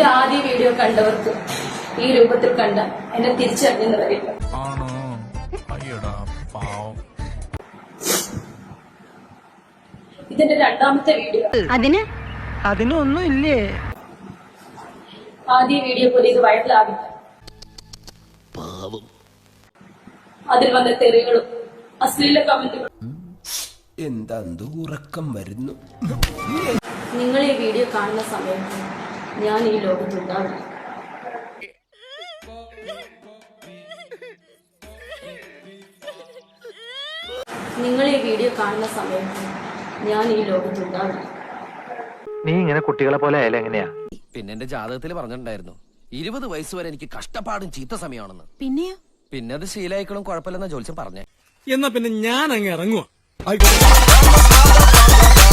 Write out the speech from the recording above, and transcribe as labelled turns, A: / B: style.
A: എന്റെ ആദ്യ വീഡിയോ കണ്ടവർക്ക് ഈ രൂപത്തിൽ കണ്ട എന്നെ തിരിച്ചറിഞ്ഞെന്ന് വരില്ല. ഇതിന്റെ രണ്ടാമത്തെ വീഡിയോ.
B: അതിനൊന്നും ഇല്ലേ?
A: ആദ്യ വീഡിയോ പോലെ ഇത് വൈറലാകില്ല. അതിൽ വന്ന തെറികളും അശ്ലീല കമന്റുകളും.
C: എന്താ ഉറക്കം വരുന്നു.
A: നിങ്ങൾ ഈ വീഡിയോ കാണുന്ന സമയത്ത് ഞാൻ ഈ ലോകത്തുണ്ടാവില്ല. നിങ്ങൾ ഈ വീഡിയോ കാണുന്ന സമയത്ത് ഞാൻ ഈ ലോകത്തുണ്ടാവില്ല.
B: നീ ഇങ്ങനെ കുട്ടികളെ പോലെ ആയാലും എങ്ങനെയാ?
D: പിന്നെ എന്റെ ജാതകത്തിൽ പറഞ്ഞിട്ടുണ്ടായിരുന്നു 20 വയസ്സ് വരെ എനിക്ക് കഷ്ടപ്പാടും ചീത്ത സമയമാണെന്ന്. പിന്നെ അത് ശീലായിക്കളും കുഴപ്പമില്ലെന്ന ജോത്സ്യം പറഞ്ഞേ.
E: എന്നാ പിന്നെ ഞാൻ അങ്ങ് ഇറങ്ങുവാ.